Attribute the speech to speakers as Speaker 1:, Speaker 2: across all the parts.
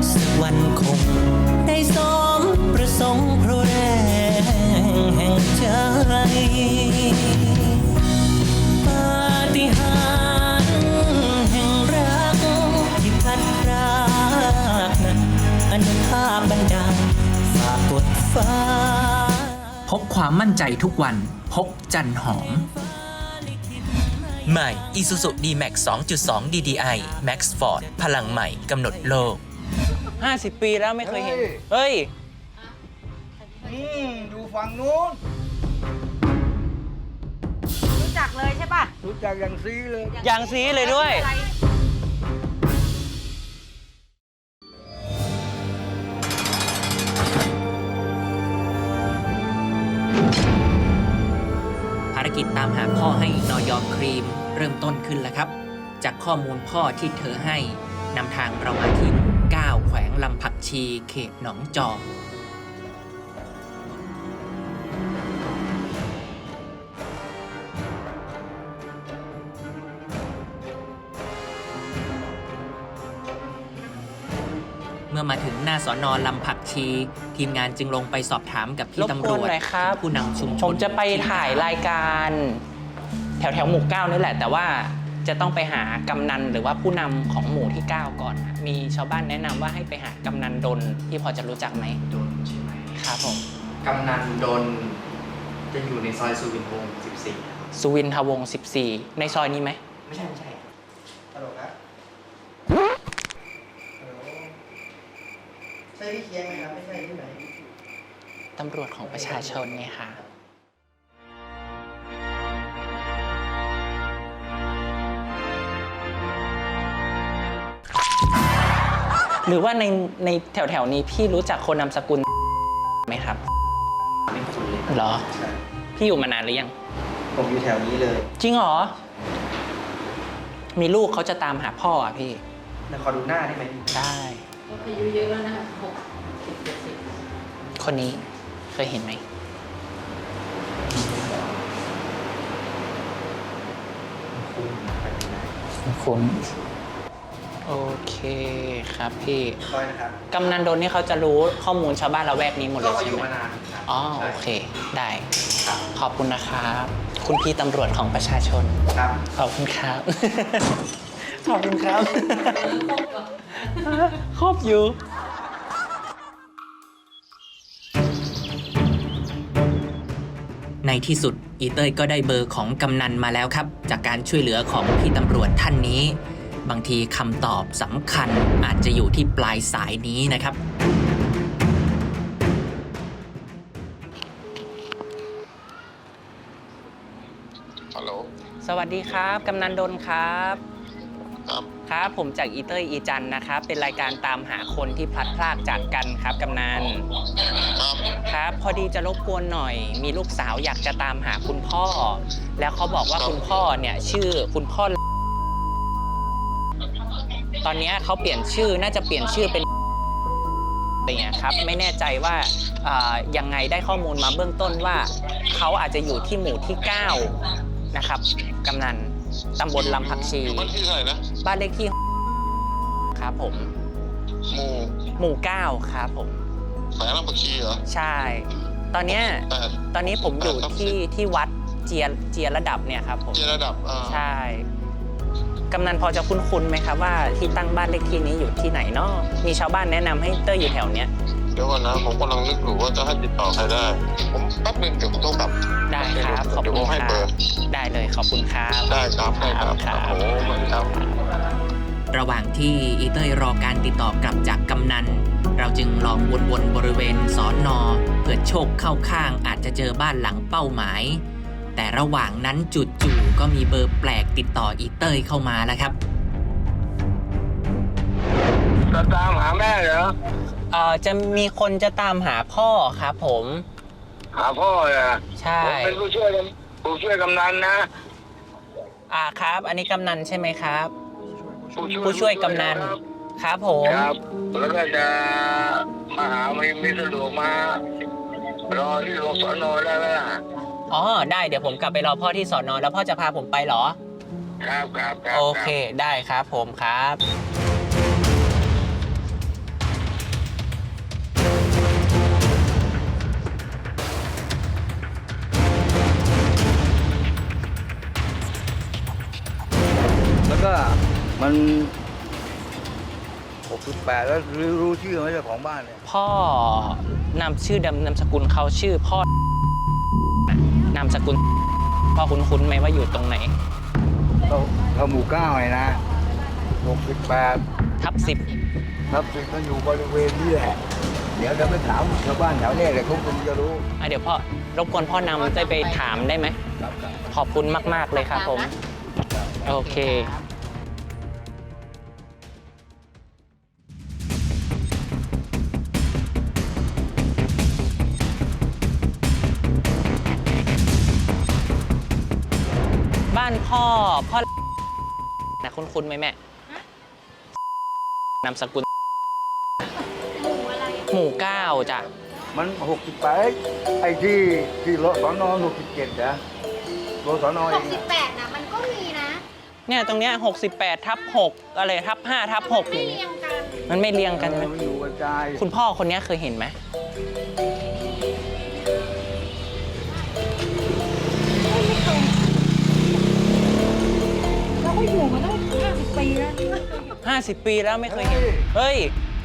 Speaker 1: สักวันคงได้สมประสงค์เพราะแรงแห่งใจปาฏิหาริย์แห่งรักที่พัดพรากนั้นอนุภาพบันดาลฝากกดฟ้า
Speaker 2: พกความมั่นใจทุกวันพกจันหอม
Speaker 1: ใหม่ Isuzu D-Max 2.2 DDI Max Force พลังใหม่กำหนดโลก
Speaker 3: 50 ปีแล้วไม่เคยเห็นเฮ้ย
Speaker 4: ดูฝั่งนู้น
Speaker 5: รู้จักเลยใช่ป่ะ
Speaker 4: รู้จักอย่างซีเลย
Speaker 3: อย่างซีเลยด้วย
Speaker 2: ภารกิจตามหาพ่อให้นอยครีมเริ่มต้นขึ้นแล้วครับจากข้อมูลพ่อที่เธอให้นำทางเรามาที่9แขวงลำผักชีเขตหนองจอกเมื่อมาถึงหน้าสน.ลำผักชีทีมงานจึงลงไปสอบถามกับพี่ตำรวจผู้นำชุมชน
Speaker 3: ผมจะไปถ่ายรายการแถวหมู่ 9นี่แหละแต่ว่าจะต้องไปหากำนันหรือว่าผู้นำของหมู่ที่ 9 ก่อนมีชาวบ้านแนะนำว่าให้ไปหากำนันดลที่พอจะรู้จักไหม
Speaker 6: ดลใช่ไหม
Speaker 3: ครับผม
Speaker 6: กำนันดลจะอยู่ในซอยสุวินทวงศ์14
Speaker 3: สุวินทวงศ์14ในซอยนี้ไหม
Speaker 6: ไม่ใช่ฮัลโหลครับใช่พี่เคียงไหมครับไม่ใช่ที่ไหน
Speaker 3: ตำรวจของประชาชนไงคะหรือว่าในแถวนี้พี่รู้จักคนนามสกุลไหมครับ
Speaker 6: ไม่คุ้นเลย
Speaker 3: เหรอพี่อยู่มานานหรือยัง
Speaker 6: ผมอยู่แถวนี้เลย
Speaker 3: จริงเหรอมีลูกเขาจะตามหาพ่ออ่ะพี่
Speaker 6: ขอดูหน้าได้ไหม
Speaker 3: ได้
Speaker 5: อายุเยอะแล้วนะคะ60-70
Speaker 3: คนนี้เคยเห็นไหมคุ้นโอเคครับพี่กำนันดลนี่เขาจะรู้ข้อมูลชาวบ้านละแวกนี้หมดเลยใช่ไหมอ๋อโอเคได้ขอบคุณนะครับคุณพี่ตำรวจของประชาชน
Speaker 6: ครับ
Speaker 3: ขอบคุณครับขอบคุณครับครบอยู่
Speaker 2: ในที่สุดอีเต้ยก็ได้เบอร์ของกำนันมาแล้วครับจากการช่วยเหลือของพี่ตำรวจท่านนี้บางทีคำตอบสำคัญอาจจะอยู่ที่ปลายสายนี้นะครับ
Speaker 7: ฮัลโหล
Speaker 3: สวัสดีครับกำนันดลครับ
Speaker 7: ครับ
Speaker 3: ครับผมจากอีเต้ยอีจันนะครับเป็นรายการตามหาคนที่พลัดพรากจากกันครับกำนันครับพอดีจะรบกวนหน่อยมีลูกสาวอยากจะตามหาคุณพ่อแล้วเขาบอกว่าคุณพ่อเนี่ยชื่อคุณพ่อตอนนี้เขาเปลี่ยนชื่อน่าจะเปลี่ยนชื่อเป็นเนี่ยครับไม่แน่ใจว่ายังไงได้ข้อมูลมาเบื้องต้นว่าเขาอาจจะอยู่ที่หมู่ที่9นะครับกำนันตำบลลำผักชี
Speaker 7: บ้านที่เท่าไหร่นะ
Speaker 3: บ้านเลขที่ครับผมหมู่ 9ครับผม
Speaker 7: แขวงลำผักชีเหรอ
Speaker 3: ใช่ตอนนี้ผมอยู่ที่วัดเจียระดับเนี่ยครับผม
Speaker 7: เจียระดับ
Speaker 3: ใช่กำนันพอจะคุ้นไหมครับว่าที่ตั้งบ้านเลขที่นี้อยู่ที่ไหนเนาะมีชาวบ้านแนะนำให้เต้ยอยู่แถวเนี้ย
Speaker 7: เดี๋ยวก่อนนะผมกำลังนึกอยู่ว่าจะให้ติดต่อใครได้ผมแป๊บนึงเดี๋ยวผมต้องกลับ
Speaker 3: ได้ครับขอบคุณครับได้เลยขอบคุณครับ
Speaker 7: ได้ครับโอ้โหเหมือนครับ
Speaker 2: ระหว่างที่อีเต้ยรอการติดต่อกลับจากกำนันเราจึงลองวนบริเวณสน.เผื่อโชคเข้าข้างอาจจะเจอบ้านหลังเป้าหมายแต่ระหว่างนั้นจู่ๆก็มีเบอร์แปลกติดต่ออีเต้ยเข้ามาแล้วครับ
Speaker 7: จะตามหาแม่เหรอ
Speaker 3: จะมีคนจะตามหาพ่อครับผม
Speaker 7: หาพ่อเหรอ
Speaker 3: ใช่
Speaker 7: ผมเป็นผู้ช่วยกำนันนะครับ
Speaker 3: อันนี้กำนันใช่ไหมครับผู้ช่วยกำนันครับผม
Speaker 7: ครับแล้วก็จะมาหาไม่สะดวกมารอที่โรงสน.ได้ไหมล่ะ
Speaker 3: อ๋อได้เดี๋ยวผมกลับไปรอพ่อที่สน.แล้วพ่อจะพาผมไปเหรอ
Speaker 7: ครับ
Speaker 3: โอเคได้ครับผมครับ
Speaker 4: 68แล้วรู้ชื่อไหมเจ้าของบ้านเนี่ย
Speaker 3: พ่อนามชื่อนามสกุลเขาชื่อพ่อนามสกุลพ่อคุ้นๆไหมว่าอยู่ตรงไหน
Speaker 4: เราหมู่9ไงนะ68
Speaker 3: ทับ
Speaker 4: ครับสิก็อยู่บริเวณนี้แหละ เดี๋ยวจะไปถามชาวบ้านแถวนี้เลยเขาคงจะรู้
Speaker 3: 10เดี๋ยวพ่อรบกวนพ่อนำได้ไปถามได้ไหม ขอบคุณมาก ๆ เลยครับผม โอเค บ้านพ่อนะคุ้นๆไหมแม่นามสกุลหมู่9จ้ะ
Speaker 4: มัน68ไอ้ที่รถสน67นะรถสนเองอะ
Speaker 5: 68นะมันก็มีนะ
Speaker 3: เนี่ยตรงเนี้ย68/6อะไรทับ5/6
Speaker 5: ไม่
Speaker 3: อย่าง
Speaker 5: เรี
Speaker 3: เงี้
Speaker 5: ย
Speaker 3: ย
Speaker 5: งกัน
Speaker 3: มันไม่เรียงกัน
Speaker 4: มันอยู่กระจาย
Speaker 3: คุณพ่อคนเนี้ยเคยเห็นไหม
Speaker 5: เราก็อยู่มาตั้ง50 ปีแล้ว
Speaker 3: 50 ปีแล้วไม่เคยเห็น เฮ้ย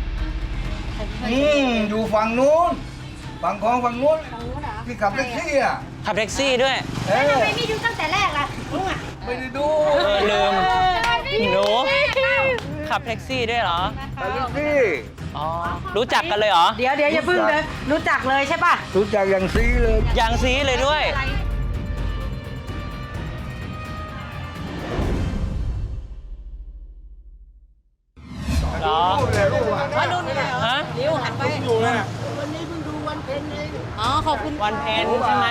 Speaker 4: อยู่ฝั่งนู้นฝั่งคลองฝั่งนู้น
Speaker 5: ฝั่งนู้นเหรอ
Speaker 4: ที่ขับแท็กซี่อ่ะ
Speaker 3: ขับแท็กซี่ด้วย
Speaker 4: เออ
Speaker 5: ทำไมไม่ดูตั้งแต่แรกล่ะลุงอ่ะ
Speaker 4: ไม่ได้ดู
Speaker 3: ลืม หนู
Speaker 5: เล่า
Speaker 3: ขับแท็กซี่ด้วยเหรอ
Speaker 4: ขับแท็กซี่
Speaker 3: อ๋อ รู้จักกันเลยเหรอ
Speaker 5: เดี๋ยวอย่าเพิ่งเลยรู้จักเลยใช่ป่ะ
Speaker 4: รู้จักอย่างซีเลย
Speaker 3: อย่างซีเลยด้วย เหรอ
Speaker 5: ว่านุ่นเลยเหรอ
Speaker 3: ฮะ
Speaker 5: เดี๋ยวหันไปอยู่นะวันนี้เพิ่งดูวันเพ็ญเองอ๋อขอบคุณ
Speaker 3: วันเพ็ญใช่ไหม